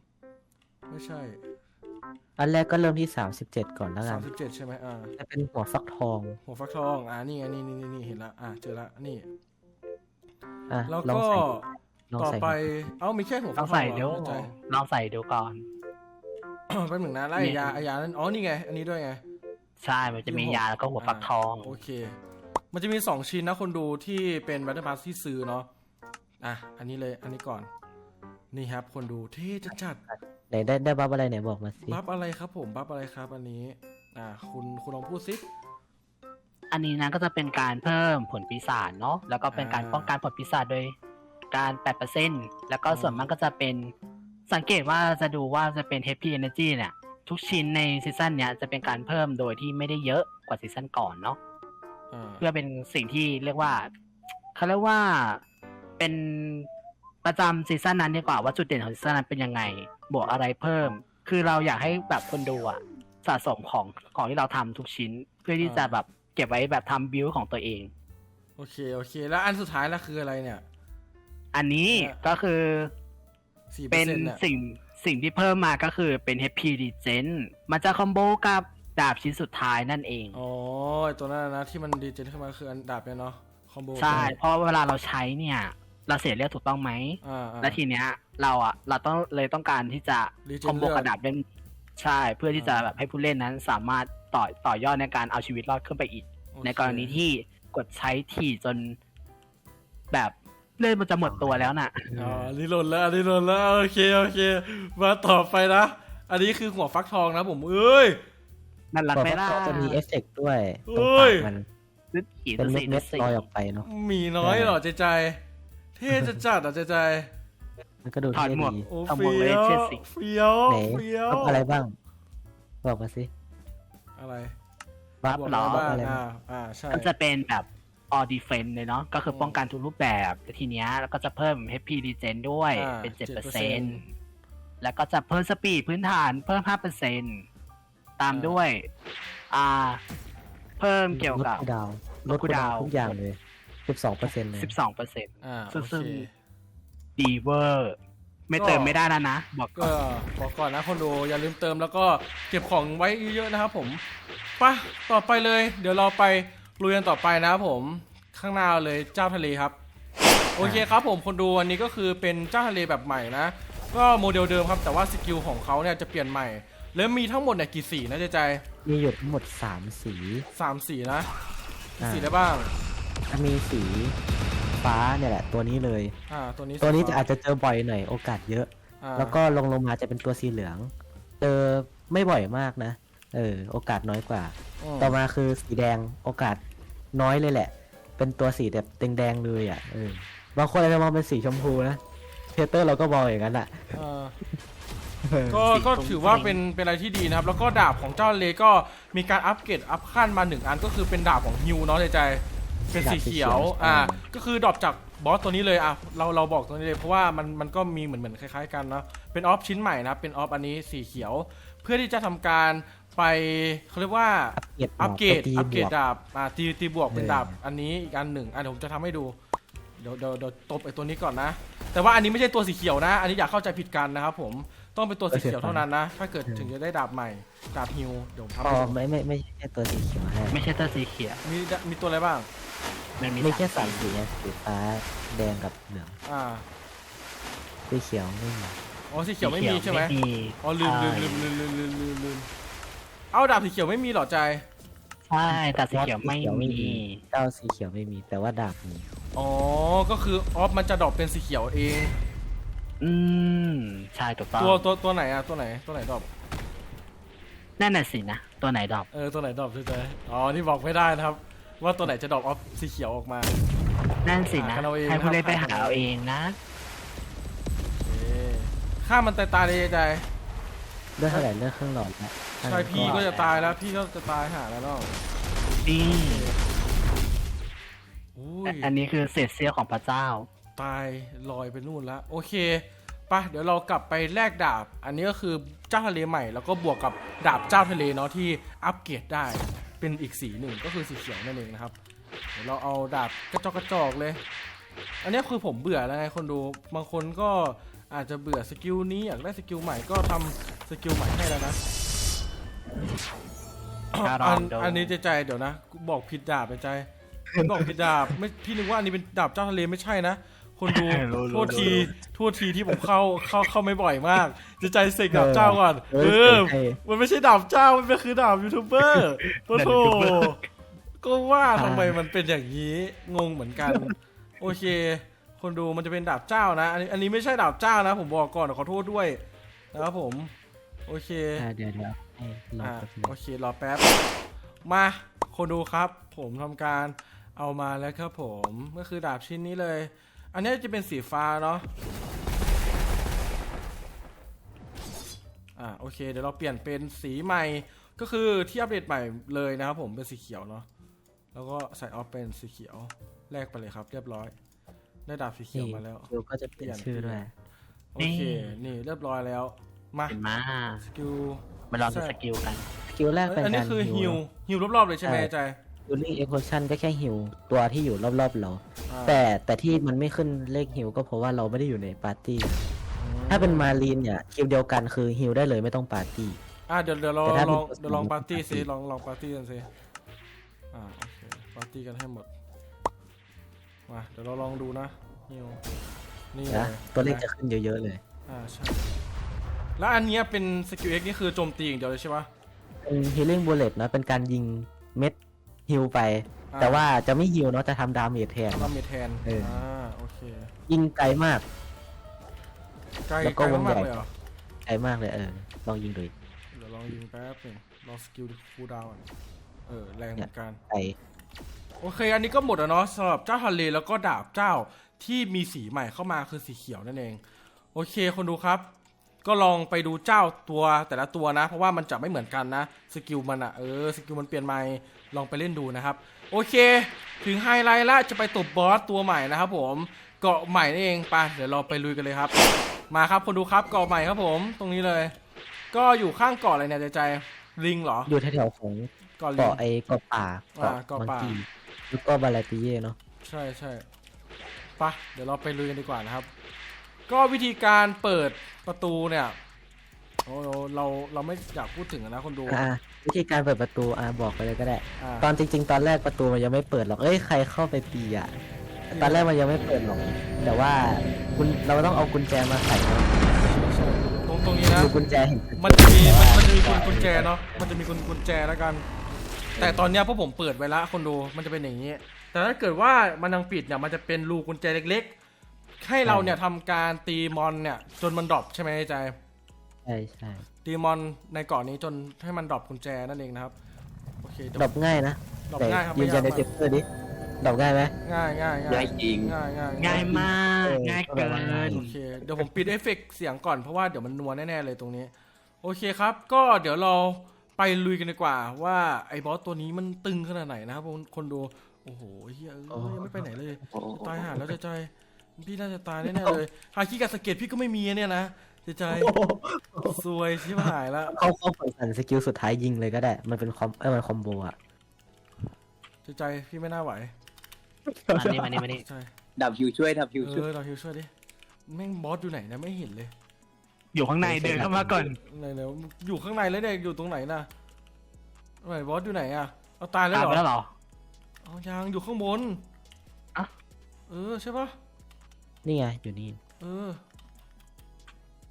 [SPEAKER 1] 20ไม่ใช่
[SPEAKER 2] อันแรกก็เริ่มที่ 37 ก่อนแล้วกัน
[SPEAKER 1] 37ใช่ไหม
[SPEAKER 2] จะเป็นหัวฟักทอง
[SPEAKER 1] หัวฟักทองนี่ไงนี่เห็นละเจอละนี่
[SPEAKER 2] อ่ะ
[SPEAKER 1] แล้ว
[SPEAKER 2] ลอง
[SPEAKER 1] ก็
[SPEAKER 2] ใส่ลอง
[SPEAKER 1] ต่อ
[SPEAKER 2] ใส่
[SPEAKER 1] ไปมีแค่หัว
[SPEAKER 3] ล
[SPEAKER 1] ฟั
[SPEAKER 3] อก ง
[SPEAKER 1] ทอง
[SPEAKER 3] ใส่
[SPEAKER 1] เหร
[SPEAKER 3] ดู
[SPEAKER 1] อใจ
[SPEAKER 3] ลองใส่ดูก่อน
[SPEAKER 1] แป๊บหนึ่งนะแล้วไอยานั้นนี่ไงอันนี้ด้วยไง
[SPEAKER 3] ใช่ มันจะมียาแล้วก็หัวฟักทอง
[SPEAKER 1] โอเค มันจะมี2ชิ้นนะคนดูที่เป็นบัตเตอร์พาสที่ซื้อเนาะอันนี้เลยอันนี้ก่อนนี่ครับคนดูเท่จัด
[SPEAKER 2] ไหนได้บัฟอะไรไหนบอกมาสิ
[SPEAKER 1] บัฟอะไรครับผมบัฟอะไรครับอันนี้คุณลองพูดสิ
[SPEAKER 3] อันนี้นะก็จะเป็นการเพิ่มผลปีศาจเนาะ แล้วก็เป็นการป้องกันผลปีศาจโดยการ 8% แล้วก็ส่วนมากก็จะเป็นสังเกตว่าจะดูว่าจะเป็น Happy Energy เนี่ยทุกชิ้นในซีซั่นเนี้ยจะเป็นการเพิ่มโดยที่ไม่ได้เยอะกว่าซีซั่นก่อนเนาะ เพื่อเป็นสิ่งที่เรียกว่าเขาเรียกว่าเป็นประจำซีซั่นนั้นดีกว่าว่าจุดเด่นของซีซั่นนั้นเป็นยังไงบวกอะไรเพิ่ม คือเราอยากให้แบบคนดูสะสมของที่เราทำทุกชิ้น เพื่อที่จะแบบเก็บไว้แบบทำบิวของตัวเอง
[SPEAKER 1] โอเคแล้วอันสุดท้ายแล้วคืออะไรเนี่ย
[SPEAKER 3] อันนี้ก็คือ
[SPEAKER 1] 4%
[SPEAKER 3] เป็น
[SPEAKER 1] เนี่ย
[SPEAKER 3] สิ่งที่เพิ่มมาก็คือเป็น Happy Regen มันจะคอมโบกับดาบชิ้นสุดท้ายนั่นเอง
[SPEAKER 1] อ๋อไอ้ตัวนั้นนะที่มันดีเจนขึ้นมาคืออันดาบเนี่ยเนาะคอมโบ
[SPEAKER 3] ใช่ เพราะเวลาเราใช้เนี่ยเราเสียเลือดถูกต้องไหม และทีเนี้ยเราต้องการที่จะ
[SPEAKER 1] Regen
[SPEAKER 3] คอมโบกระดาบเล่นใช่เพื่อที่จะแบบให้ผู้เล่นนั้นสามารถต่อยอดในการเอาชีวิตรอดขึ้นไปอีก
[SPEAKER 1] โอเค
[SPEAKER 3] ในกรณีที่กดใช้ถี่จนแบบเลือดมันจะหมดตัวแล้วน่ะ
[SPEAKER 1] อันนี้หล่นแล้วโอเคมาต่อไปนะอันนี้คือหัวฟักทองนะผม
[SPEAKER 3] นั่นหลัก
[SPEAKER 2] หัว
[SPEAKER 3] ไม่
[SPEAKER 2] ฟัก
[SPEAKER 3] ได้
[SPEAKER 2] ทองจะมีเอฟเฟกต์ด้วย
[SPEAKER 1] เอ้
[SPEAKER 2] ตรงปาก
[SPEAKER 1] ย
[SPEAKER 2] มัน
[SPEAKER 3] นึกขีด
[SPEAKER 2] เป็น
[SPEAKER 3] สี
[SPEAKER 2] เม็ดๆลอยออกไปเนาะ
[SPEAKER 1] หมีน้อยเหรอใจเท่จัดใจ
[SPEAKER 2] มันก็ดู
[SPEAKER 3] ถอด
[SPEAKER 2] เท่
[SPEAKER 3] หมวก
[SPEAKER 2] ดี
[SPEAKER 1] โอ้
[SPEAKER 3] ขโม
[SPEAKER 1] เฟี้
[SPEAKER 3] ย
[SPEAKER 1] ยว
[SPEAKER 3] เชือกสิ
[SPEAKER 1] เฟี้ยว
[SPEAKER 2] ไหน
[SPEAKER 1] เฟี้ยว
[SPEAKER 2] บัฟอะไรบ้าง บอกมาสิ
[SPEAKER 1] อะไร
[SPEAKER 2] บัฟ
[SPEAKER 1] บวก
[SPEAKER 2] หรอ
[SPEAKER 1] บ้าง
[SPEAKER 2] อะไรบ้าง
[SPEAKER 1] ใช่
[SPEAKER 3] ก็จะเป็นแบบ all defense เลยเนาะก็คือป้องกันทุกรูปแบบแต่ทีเนี้ยแล้วก็จะเพิ่ม happy regen ด้วยเป็น 7%แล้วก็จะเพิ่มสปีดพื้นฐานเพิ่ม 5%ตามด้วยเพิ่มเกี่ยวกับ
[SPEAKER 2] ลดคูลดาว
[SPEAKER 3] ลดคูลดาวน์
[SPEAKER 2] ทุกอย่างเลย 12%เลย
[SPEAKER 3] 12%
[SPEAKER 1] โอ
[SPEAKER 3] ซึ่ง
[SPEAKER 1] เค
[SPEAKER 3] ดีเวอร์ไม่เติมไม่ได้แล้วนะบอกก่
[SPEAKER 1] ก็
[SPEAKER 3] อน
[SPEAKER 1] บอกก่อนนะคนดูอย่าลืมเติมแล้วก็เก็บของไว้เยอะๆนะครับผมไปต่อไปเลยเดี๋ยวเราไปลุยกันต่อไปนะครับผมข้างหน้าเลยเจ้าทะเลครับโอเคครับผมคนดูอันนี้ก็คือเป็นเจ้าทะเลแบบใหม่นะก็โมเดลเดิมครับแต่ว่าสกิลของเขาเนี่ยจะเปลี่ยนใหม่แล้วมีทั้งหมดเนี่ยกี่สีนะใจ
[SPEAKER 2] มีหยดทั้งหมด 3 สี
[SPEAKER 1] 3 สีนะ
[SPEAKER 2] อ่า
[SPEAKER 1] สีได้บ้าง
[SPEAKER 2] จะมีสีฟ้าเนี่ยแหละตัวนี้เลย
[SPEAKER 1] ตัวนี้
[SPEAKER 2] ตัวนี้จะอาจจะเจอบ่อยหน่อยโอกาสเยอะ
[SPEAKER 1] อ่า
[SPEAKER 2] แล้วก็ลงมาจะเป็นตัวสีเหลือง เจอไม่บ่อยมากนะโอกาสน้อยกว่า ต่อมาคือสีแดงโอกาสน้อยเลยแหละ เป็นตัวสีแบบแดงๆเลยบางคนอาจจะมองเป็นสีชมพูนะเทเตอร์เราก็มองอย่างนั้นอ่ะ
[SPEAKER 1] ก็ถือว่าเป็นอะไรที่ดีนะครับแล้วก็ดาบของเจ้าเลก็มีการอัปเกรดอัพขั้นมา1อันก็คือเป็นดาบของฮิวเนาะใจเป็นสีเขียวก็คือดรอปจากบอสตัวนี้เลยเราบอกตัวนี้เลยเพราะว่ามันก็มีเหมือนคล้ายๆกันเนาะเป็นออฟชิ้นใหม่นะเป็นออฟอันนี้สีเขียว เพื่อที่จะทำการไปเขาเรียกว่าอัปเกรดดาบตีบวกเป็นดาบอันนี้อีกอันหนึ่งเดี๋ยวผมจะทำให้ดูเดี๋ยวตบไอ้ตัวนี้ก่อนนะแต่ว่าอันนี้ไม่ใช่ตัวสีเขียวนะอันนี้อย่าเข้าใจผิดกันนะครับผมต้องเป็นตัวสีเขียวเท่านั้นนะถ้าเกิดถึงจะได้ดาบใหม่ดาบฮิวเดี๋ยวผมทำให้ดู
[SPEAKER 2] ไม่ใช่ตัวสีเขียวให้
[SPEAKER 3] ไม่ใช่ตัวสีเขียว
[SPEAKER 1] มีตัวอะไรบ้าง
[SPEAKER 3] มันมี
[SPEAKER 2] มีแค่
[SPEAKER 3] สาม
[SPEAKER 2] 3 สีนะสีฟ้าแดงกับเหลือง
[SPEAKER 1] อ่า
[SPEAKER 2] สีเขียวไม่มี
[SPEAKER 1] โอ๋อสีเขียวไม่มีใช่ไหม
[SPEAKER 3] ไม่มี
[SPEAKER 1] อ๋อลืม
[SPEAKER 3] ใช่
[SPEAKER 1] ลืมเอาดาบสีเขียวไม่มีเหรอใจ
[SPEAKER 3] ใช่แต่สีเขียวไม่มี
[SPEAKER 2] เจ้าสีเขียวไม่มีแต่ว่าดาบมี
[SPEAKER 1] อ๋อก็คือออฟมันจะดรอปเป็นสีเขียวเอง
[SPEAKER 3] อืมใช่ถูกต้อง
[SPEAKER 1] ตัวไหนอะตัวไหนดรอป
[SPEAKER 3] นั่นน่ะสินะตัวไหนดอก
[SPEAKER 1] ตัวไหนดรอปใจอ๋อนี่บอกไม่ได้นะครับ ว่าตัวไหนจะดรอปออฟสีเขียวออกมา
[SPEAKER 3] นั่นสินะ
[SPEAKER 1] หากันเอาเอง
[SPEAKER 3] ให้ผู้เล่น
[SPEAKER 1] ครับ
[SPEAKER 3] ไปหาเอาเองนะ
[SPEAKER 1] โอเคฆ่ามันตายเลยใจ
[SPEAKER 2] เลือกเท่าไหร่เลือกเครื่องหลอดแล้ว
[SPEAKER 1] ใช่พี่ก็จะตายแล้วพี่ก็จะตายหาแล้วเนาะ
[SPEAKER 3] นี่
[SPEAKER 1] อุ้ย
[SPEAKER 3] อันนี้คือเศษเสี้ยวของพระเจ้า
[SPEAKER 1] ตายลอยไปนู่นแล้วโอเคปะเดี๋ยวเรากลับไปแลกดาบ อันนี้ก็คือเจ้าทะเลใหม่แล้วก็บวกกับดาบเจ้าทะเลเนาะที่อัปเกรดได้เป็นอีกสีหนึ่งก็คือสีเขียวนั่นเองนะครับเดี๋ยวเราเอาดาบกระจอกเลย อันนี้คือผมเบื่อแล้วไงคนดูบางคนก็อาจจะเบื่อสกิลนี้อยากได้สกิลใหม่ก็ทำสกิลใหม่ให้แล้วนะ
[SPEAKER 3] การันโด
[SPEAKER 1] อันนี้ใจเดี๋ยวนะบอกผิดดาบใจบอกผิดดาบไม่พี่นึกว่าอันนี้เป็นดาบเจ้าทะเลไม่ใช่นะ คนดูโทษทีที่ผมเข้าไม่บ่อยมากใจเสกดาบเจ้าก่อนมันไม่ใช่ดาบเจ้ามันคือดาบยูทูบเบอร์โธ่ก็ว่าทำไมมันเป็นอย่างนี้งงเหมือนกันโอเค คนดูมันจะเป็นดาบเจ้านะอันนี้ไม่ใช่ดาบเจ้านะผมบอกก่อนขอโทษด้วยนะครับผมโอเค
[SPEAKER 2] เดี๋ยวให้รอแป๊บนึง
[SPEAKER 1] โอเครอแป๊บมาคนดูครับ ผมทำการเอามาแล้วครับผมก็คือดาบชิ้นนี้เลย อันนี้จะเป็นสีฟ้าเนาะโอเคเดี๋ยวเราเปลี่ยนเป็นสีใหม่ก็คือที่อัปเดตใหม่เลยนะครับผมเป็นสีเขียวเนาะแล้วก็ใส่ออฟเป็นสีเขียวแลกไปเลยครับเรียบร้อยได้ดาบสีเขียวมาแล้ว
[SPEAKER 2] คิวก็จะเปลี่ยนชื่อด้วย
[SPEAKER 1] โอเคนี่เรียบร้อยแล้วมา
[SPEAKER 3] เห็นมา
[SPEAKER 1] สกิล
[SPEAKER 3] มาลองดูสกิลกัน
[SPEAKER 2] สกิลแรกเป็น
[SPEAKER 1] อันนี้
[SPEAKER 2] การ
[SPEAKER 1] คือ
[SPEAKER 2] ฮิว
[SPEAKER 1] ฮิวรอบๆเลยใช่ไหมใจ
[SPEAKER 2] ฮิวลิ่งเอ็กโคชั่นก็แค่ฮิวตัวที่อยู่รอบๆเรา
[SPEAKER 1] อ่า
[SPEAKER 2] แต่ที่มันไม่ขึ้นเลขฮิวก็เพราะว่าเราไม่ได้อยู่ในปาร์ตี้ ถ้าเป็นมารีนเนี่ยคิวเดียวกันคือฮิวได้เลยไม่ต้องปาร์ตี้
[SPEAKER 1] เดี๋ยวเรา
[SPEAKER 2] แต่ถ้า
[SPEAKER 1] ลอง
[SPEAKER 2] เป็น
[SPEAKER 1] เดี๋ยวลองปาร์ตี้ซิ
[SPEAKER 2] ปาร์ตี้
[SPEAKER 1] ลองปาร์ตี้กันซิโอเคปาร์ตี้กันให้หมดมาเดี๋ยวเราลองดูนะฮิวนี่เล
[SPEAKER 2] นะ
[SPEAKER 1] ย
[SPEAKER 2] ตัวเลขจะขึ้นเยอะๆเลย
[SPEAKER 1] ใช่แล้วอันเนี้ยเป็นสกิล X นี่คือโจมตีอย่างเดียวเลยใช่ปะ
[SPEAKER 2] เป็นฮิลลิ่งบูเลตนะเป็นการยิงเม็ดฮิวไป แต่ว่าจะไม่ฮิวเนาะจะทำดาเมจแทน
[SPEAKER 1] ทำเมทแทน โอเค
[SPEAKER 2] ยิงไกลมาก
[SPEAKER 1] ไกล
[SPEAKER 2] แล้ว
[SPEAKER 1] ไก
[SPEAKER 2] ก็
[SPEAKER 1] ล
[SPEAKER 2] วง
[SPEAKER 1] มาก
[SPEAKER 2] ใหญ่
[SPEAKER 1] ๆเลยเหรอ
[SPEAKER 2] ไกลมากเลยลองยิงดูอีก
[SPEAKER 1] เดี๋ยวลองยิงแป๊บหนึงลองสกิลคูลดาวน์แรงเหมือนกัน
[SPEAKER 2] ไกล
[SPEAKER 1] โอเค อันนี้ก็หมดแล้วเนาะสำหรับเจ้าทะเลแล้วก็ดาบเจ้าที่มีสีใหม่เข้ามาคือสีเขียวนั่นเอง โอเคคนดูครับ ก็ลองไปดูเจ้าตัวแต่ละตัวนะ เพราะว่ามันจะไม่เหมือนกันนะสกิลมันสกิลมันเปลี่ยนใหม่ลองไปเล่นดูนะครับ โอเค ถึงไฮไลท์ละจะไปตบบอสตัวใหม่นะครับผมเกาะใหม่นั่นเองไปเดี๋ยวเราไปลุยกันเลยครับ มาครับคนดูครับเกาะใหม่ครับผมตรงนี้เลย ก็อยู่ข้างเกาะอะไรเนี่ยใจลิงเหรอ
[SPEAKER 2] อยู่แถวๆของ
[SPEAKER 1] เกาะลิง
[SPEAKER 2] เกาะเกาะป่า
[SPEAKER 1] เกาะ
[SPEAKER 2] มัง
[SPEAKER 1] ป่า
[SPEAKER 2] กีแล้วก็บาลาติเย่เนาะ
[SPEAKER 1] ใช่ไปะเดี๋ยวเราไปลุยกันดีกว่านะครับ ก็วิธีการเปิดประตูเนี่ยโอ้เราไม่อยากพูดถึงนะคนดู
[SPEAKER 2] วิธีการเปิดประตูบอกไปเลยก็ได้
[SPEAKER 1] อ่า
[SPEAKER 2] ตอนจริง ๆ ตอนแรกประตูมันยังไม่เปิดหรอกใครเข้าไปตีตอนแรกมันยังไม่เปิดหรอกแต่ว่าเราต้องเอากุญแจมาใส่เนาะ
[SPEAKER 1] ตรงนี้นะ
[SPEAKER 2] ดูกุญแจเห็น
[SPEAKER 1] มันจะมีกุญแจเนาะมันจะมีกุญแจแล้วกัน แต่ตอนเนี้ยพวกผมเปิดไว้ละคนดูมันจะเป็นอย่างนี้ แต่ถ้าเกิดว่ามันยังปิดเนี่ยมันจะเป็นรูกุญแจเล็กๆ ให้เราเนี่ยทำการตีมอนเนี่ยจนมันดรอปใช่ไหมใจ
[SPEAKER 2] ใช่
[SPEAKER 1] ตีมอนในเกาะนี้จนให้มันดรอปกุญแจนั่นเองนะครับโอเคเดี๋ยว
[SPEAKER 2] ดรอปง่ายนะ
[SPEAKER 1] ดรอป
[SPEAKER 2] แต่
[SPEAKER 1] ง่ายครับ
[SPEAKER 2] ยืนยันใน
[SPEAKER 1] ไม่
[SPEAKER 2] เซ
[SPEAKER 1] ยาก
[SPEAKER 2] ฟเตอร์ดิดรอปง่ายไหม
[SPEAKER 1] ง่าย
[SPEAKER 4] ง่ายจริง
[SPEAKER 3] ง่ายมากง่ายเกิน
[SPEAKER 1] โอเคเดี๋ยวผมปิดเอฟเฟกต์เสียงก่อนเพราะว่าเดี๋ยวมันนัวแน่ๆเลยตรงนี้โอเคครับก็เดี๋ยวเราไปลุยกันดีกว่าว่าไอ้บอสตัวนี้มันตึงขนาดไหนนะครับคนดูโอ้โหเฮียยังไม่ไปไหนเลยตายห่าแล้วใจพี่น่าจะตายแน่ๆเลยหาขี้กับสเก็ตพี่ก็ไม่มีเนี่ยนะใจซวยชิบหายแล้ว
[SPEAKER 2] เขาเปิดสั่นสกิลสุดท้ายยิงเลยก็ได้มันเป็นมันคอมโบอะ
[SPEAKER 1] ใจพี่ไม่น่าไหว
[SPEAKER 3] มานี่
[SPEAKER 1] ใช่
[SPEAKER 4] ดับฮิวช่วยดับฮิวช่วย
[SPEAKER 1] เราฮิวช่วยดิแม่งบอสอยู่ไหนนะไม่เห็นเลย
[SPEAKER 3] อยู่ข้างในเดินเข้ามาก่อน
[SPEAKER 1] ไหนอยู่ข้างในแล้วเนี่ยอยู่ตรงไหนน่ะไหนบอสอยู่ไหนอ่ะเอาตายแล้ว
[SPEAKER 3] ตาม
[SPEAKER 1] เหร
[SPEAKER 3] ไป
[SPEAKER 1] อ
[SPEAKER 3] แล้วเหรอ
[SPEAKER 1] เอายังอยู่ข้างบน
[SPEAKER 3] อะ
[SPEAKER 1] ใช่ปะ
[SPEAKER 2] นี่ไงอยู่นี่
[SPEAKER 1] เออ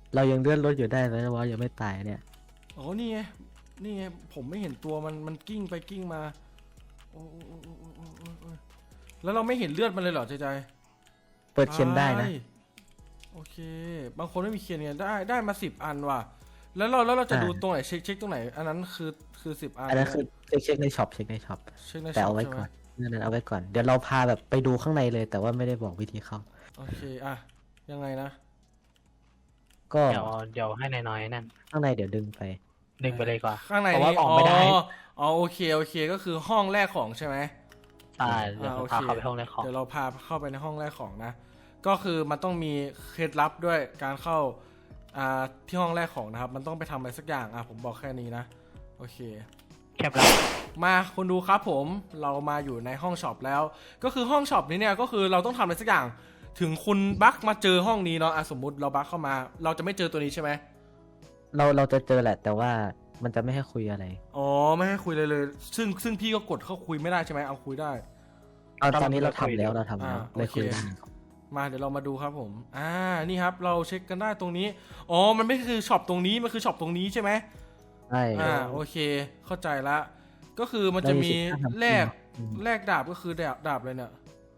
[SPEAKER 2] เรายังเลื่อนรถอยู่ได้นะว่ายังไม่ตายเนี่ย
[SPEAKER 1] อ๋อนี่ไงนี่ไงผมไม่เห็นตัวมันกิ้งไปกิ้งมาโอ้แล้วเราไม่เห็นเลือดมันเลยเหรอใจ
[SPEAKER 2] เปิดเคียนได้นะ
[SPEAKER 1] โอเคบางคนไม่มีเคียนเนี่ยได้มา10 อันว่ะแล้วเราจะดูตรงไหนเช็คตรงไหนอันนั้นคือ10 อัน
[SPEAKER 2] อันนั้นคือเช็คในช็อปเช็คในช็อป
[SPEAKER 1] เช็คใน
[SPEAKER 2] แต่
[SPEAKER 1] ช็อ
[SPEAKER 2] เอา
[SPEAKER 1] ป
[SPEAKER 2] ไว้
[SPEAKER 1] ใช่ไห
[SPEAKER 2] ก่
[SPEAKER 1] ม
[SPEAKER 2] อนนั่นเอาไว้ก่อนเดี๋ยวเราพาแบบไปดูข้างในเลย แต่ว่าไม่ได้บอกวิธีเข้า
[SPEAKER 1] โอเคอะยังไงนะ
[SPEAKER 2] ก็
[SPEAKER 3] เดี๋ยวให้น้อยๆนั่น
[SPEAKER 2] ข้างในเดี๋ยวดึงไป
[SPEAKER 3] ดึงไปเลยก่อน
[SPEAKER 1] ข้างใน
[SPEAKER 3] เพราะว่า
[SPEAKER 1] นี้
[SPEAKER 3] ออกไม่ได้
[SPEAKER 1] อ๋อโอเคก็คือห้องแรกของใช่ไหม
[SPEAKER 3] ใช่เดี๋ยว
[SPEAKER 1] โอ
[SPEAKER 3] พา
[SPEAKER 1] เค
[SPEAKER 3] เขาไปห้องแรกของ
[SPEAKER 1] เดี๋ยวเราพาเข้าไปในห้องแรกของนะ ก็คือมันต้องมีเคล็ดลับด้วยการเข้าที่ห้องแรกของนะครับมันต้องไปทำอะไรสักอย่างผมบอกแค่นี้นะโอเค
[SPEAKER 3] แคปแล้ว
[SPEAKER 1] มาคนดูครับผมเรามาอยู่ในห้องช็อปแล้ว ก็คือห้องช็อปนี้เนี่ยก็คือเราต้องทำอะไรสักอย่างถึงคุณบั๊กมาเจอห้องนี้เนาะสมมุติเราบั๊กเข้ามาเราจะไม่เจอตัวนี้ใช่ไหม
[SPEAKER 2] เราจะเจอแหละ แต่ว่ามันจะไม่ให้คุยอะไร
[SPEAKER 1] อ๋อไม่ให้คุยเลยซึ่งพี่ก็กดเข้าคุยไม่ได้ใช่ไหมเอาคุยได้
[SPEAKER 2] ตอนนี้เราทำแล้วเลยคุยได้
[SPEAKER 1] มาเดี๋ยวเรามาดูครับผมนี่ครับเราเช็คกันได้ตรงนี้อ๋อมันไม่คือช็อปตรงนี้มันคือช็อปตรงนี้ใช่ไหม
[SPEAKER 2] ใช่
[SPEAKER 1] โอเคเข้าใจละก็คือมันจะมีแลกดาบก็คือดาบเลยเนี่ย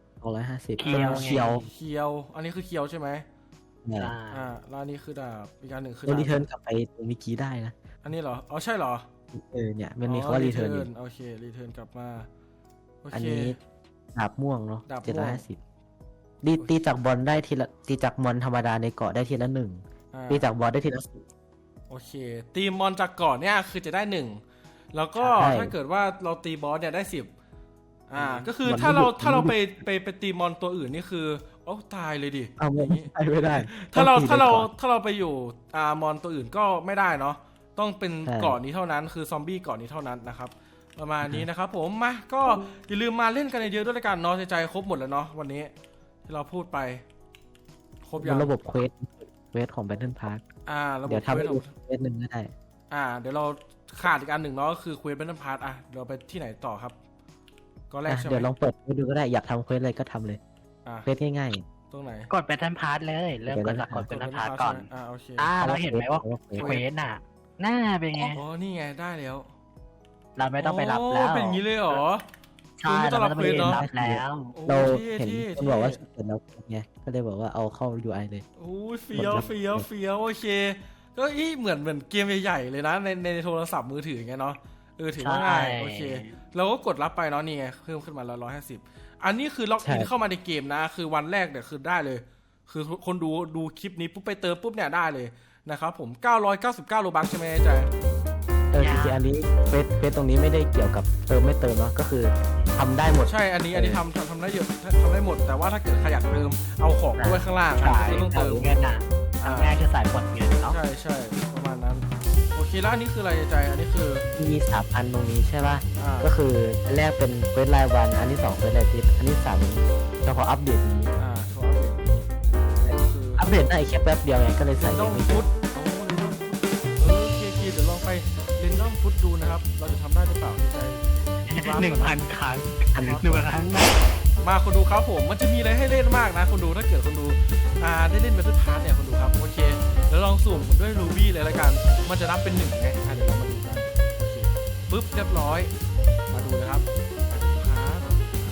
[SPEAKER 2] 250
[SPEAKER 3] เคียว
[SPEAKER 2] เคียว
[SPEAKER 1] เคียวอันนี้คือเคียวใช่ไหม
[SPEAKER 2] เนี่ย
[SPEAKER 1] แล้วอันนี้คือดาบอีกอันหนึ่งคือ
[SPEAKER 2] เรา
[SPEAKER 1] ดาบ
[SPEAKER 2] รีเทิร์นกลับไปตรงเมื่อกี้ได้นะ
[SPEAKER 1] อันนี้เหรออ๋อใช่เหรอ
[SPEAKER 2] เนี่ยมันมีคำว่ารีเทิร์นอยู่
[SPEAKER 1] โอเครีเทิร์นกลับมาโอ
[SPEAKER 2] อัน
[SPEAKER 1] เค
[SPEAKER 2] นี้ดาบม่วงเนาะ
[SPEAKER 1] ดาบม่วง
[SPEAKER 2] 750ตีจากบอลได้ทีละตีจากมอนธรรมดาในเกาะได้ทีละ1ตีจากบอลได้ทีละ10
[SPEAKER 1] โอเคตีมอนจากก่อนเนี่ยคือจะได้1แล้วก็
[SPEAKER 2] ใช่
[SPEAKER 1] ถ้าเกิดว่าเราตีบอสเนี่ยได้10ก็คือ
[SPEAKER 2] มัน
[SPEAKER 1] ถ้าเรา
[SPEAKER 2] ไม่หยุด
[SPEAKER 1] ถ้าเราไปตีมอนตัวอื่นนี่คือโอ้ตายเลยดิ
[SPEAKER 2] เอา
[SPEAKER 1] อย่าง
[SPEAKER 2] ไม่
[SPEAKER 1] นี้
[SPEAKER 2] ไม่ได้
[SPEAKER 1] ถ้าเรา
[SPEAKER 2] ต้องตี
[SPEAKER 1] ถ้าเรา
[SPEAKER 2] ไปก่อน
[SPEAKER 1] ถ้าเราไปอยู่มอนตัวอื่นก็ไม่ได้เนาะต้องเป็น
[SPEAKER 2] ใช่
[SPEAKER 1] เกาะนี้เท่านั้นคือซอมบี้เกาะนี้เท่านั้นนะครับประมาณนี้นะครับผมมาก็อย่าลืมมาเล่นกันเยอะๆด้วยละกันเนาะใจครบหมดแล้วเนาะวันนี้ที่เราพูดไปครบยัง
[SPEAKER 2] ระบบเควสของ Battle Park
[SPEAKER 1] ระบบ
[SPEAKER 2] เดี๋ยวทำ
[SPEAKER 1] เคว
[SPEAKER 2] ให้
[SPEAKER 1] ส
[SPEAKER 2] ดูเควสหนึ่งก็ได้
[SPEAKER 1] เดี๋ยวเราขาดอีกอันหนึ่งเนาะก็คือเควสเบนพาร์ตเราไปที่ไหนต่อครับก็แรกใช่ไหม
[SPEAKER 2] เดี๋ยวลองเปิดให้ดูก็ได้อยากทำเควสอะไรก็ทำเลย
[SPEAKER 1] อ่ะ
[SPEAKER 2] เควสง่าย
[SPEAKER 1] ตรงไหน
[SPEAKER 3] กดเป็นทันพาร์ทเลยเริ่มกดจากกดเป็นทันพาร์ทก่อน
[SPEAKER 1] โอเค
[SPEAKER 3] เราเห็นไหมว่า
[SPEAKER 2] เควส
[SPEAKER 3] เควสน่ะหน้าเป็นไง
[SPEAKER 1] อ๋อนี่ไงได้แล้ว
[SPEAKER 3] เราไม่ต้องไปรับแล้ว
[SPEAKER 1] เป็นอย่างนี้เลยเหรอ
[SPEAKER 3] ใช่
[SPEAKER 1] ไม่ต้
[SPEAKER 3] เรา
[SPEAKER 1] อง
[SPEAKER 3] ไม่
[SPEAKER 1] รับ
[SPEAKER 3] ต้อง
[SPEAKER 1] เคว
[SPEAKER 3] ไป
[SPEAKER 1] สเนาะ
[SPEAKER 3] รับแล้ว
[SPEAKER 1] โอ้
[SPEAKER 2] เรา
[SPEAKER 1] ท่
[SPEAKER 2] เห็น
[SPEAKER 1] ท่
[SPEAKER 2] คนบอกว่าเห็นแล้วไงก็เลยบอกว่าเอาเข้า UI เลย
[SPEAKER 1] โอ้ยเฟี้ยวโอเคก็เหมือนเกมใหญ่ๆเลยนะในโทรศัพท์มือถือไงเนาะถือว่าง่ายโอเคเราก็กดรับไปเนาะนี่ไงเพิ่มขึ้นมาแล้ว150อันนี้คือล็อกอินเข้ามาในเกมนะคือวันแรกเนี่ยคือได้เลย คือคนดูคลิปนี้ปุ๊บไปเติมปุ๊บเนี่ยได้เลยนะครับผม999โลบัคใช่ไหมใจ
[SPEAKER 2] จริงๆอันนี้เควสตรงนี้ไม่ได้เกี่ยวกับเติมไม่เติมเนาะก็คือทำได้หมด
[SPEAKER 1] ใช่อันนี้ทำได้เยอะทำได้หมดแต่ว่าถ้าเกิดใครอยากเติมเอาของด้วยข้างล่าง
[SPEAKER 3] สาย
[SPEAKER 1] คือต้องเติม
[SPEAKER 3] เงินน่ะทางแรกคือสายกดเงินเนาะ
[SPEAKER 1] ใช่ประมาณนั้นโอเคแล้วอันนี้คืออะไรใจอันนี้คือ
[SPEAKER 2] มี3,000ตรงนี้ใช่ป่ะ
[SPEAKER 1] อ่า
[SPEAKER 2] ก็คืออันแรกเป็นเควสรายวันอันที่2เควสรายอาทิตย์อันที่3เฉพาะอัปเดตนี้
[SPEAKER 1] โทรอัปเดตคือ
[SPEAKER 2] อัปเดตได้แค่แป๊บเดียวไงก็เลยใส่
[SPEAKER 1] เรนดอม
[SPEAKER 2] ไม่
[SPEAKER 1] ฟุ
[SPEAKER 2] เย
[SPEAKER 1] ต
[SPEAKER 2] อะ
[SPEAKER 1] โอเคเดี๋ยวลองไปเรนดอมฟุตดูนะครับเราจะทำได้หรือเปล่าใจ
[SPEAKER 3] 1,000 ครั้ง
[SPEAKER 2] อันนี้
[SPEAKER 3] 1,000 ครั้งนะ
[SPEAKER 1] มาคนดูครับผมมันจะมีอะไรให้เล่นมากนะคนดูถ้าเกิดคนดูได้เล่นBattle Passเนี่ยคนดูครับโอเคแล้วลองสุ่มด้วยรูบี้เลยละกันมันจะนับเป็น1ไงเดี๋ยวเรามาดูกันโอเคปึ๊บเรียบร้อยมาดูนะครับพาร์ท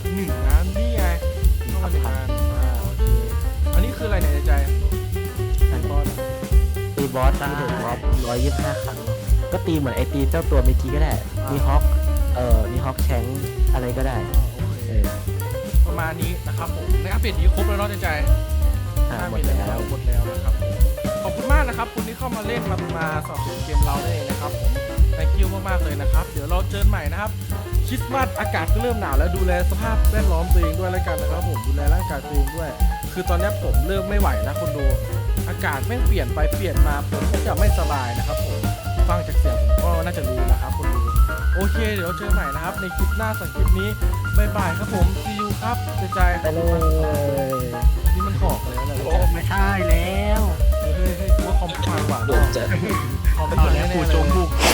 [SPEAKER 1] 1นะนี่ไงต้องมา1อันโอเคอันนี้คืออะไรเนี่ยใจบอล
[SPEAKER 2] ตีบอสที่ถูกบอส125 ครั้ง ก็ตีเหมือนไอตีเจ้าตัวเมื่อกี้ก็ได้ มีฮอกมีฮอกแชงอะไรก็ได้
[SPEAKER 1] โอเค
[SPEAKER 2] เออ
[SPEAKER 1] ประมาณนี้นะครับผมในอัปเดตนี้ครบแล้วเนาะใจ
[SPEAKER 2] หมดแล้ว
[SPEAKER 1] หมดแล้วนะครับขอบคุณมากนะครับคุณที่เข้ามาเล่นมาสอบสวนเกมเราได้เลยนะครับผม thank you มากๆเลยนะครับเดี๋ยวเราเจอกันใหม่นะครับคริสต์มาสอากาศก็เริ่มหนาวแล้วดูแลสภาพแวดล้อมตัวเองด้วยแล้วกันนะครับผมดูแลร่างกายตัวเองด้วย คือตอนนี้ผมเริ่มไม่ไหวนะคนดูอากาศแม่งเปลี่ยนไปเปลี่ยนมาผมก็จะไม่สบายนะครับผมฟังจากเสียงผมก็น่าจะรู้นะครับคนดูโอเคเดี๋ยวเจอใหม่นะครับในคลิปหน้าสักคลิปนี้บ๊ายบายครับผม see you ครับใจ
[SPEAKER 2] ไปเลย
[SPEAKER 1] นี่มันหอกเลยนะ
[SPEAKER 3] โอ้ไม่ใช่แล้ว
[SPEAKER 1] เฮ้ยว่าคอมพังกว่าเนอะคอมพั
[SPEAKER 3] เอา
[SPEAKER 1] ง
[SPEAKER 3] แล้ว
[SPEAKER 1] แน่
[SPEAKER 3] กู
[SPEAKER 1] ๆเล
[SPEAKER 3] จง
[SPEAKER 1] ย
[SPEAKER 3] บุก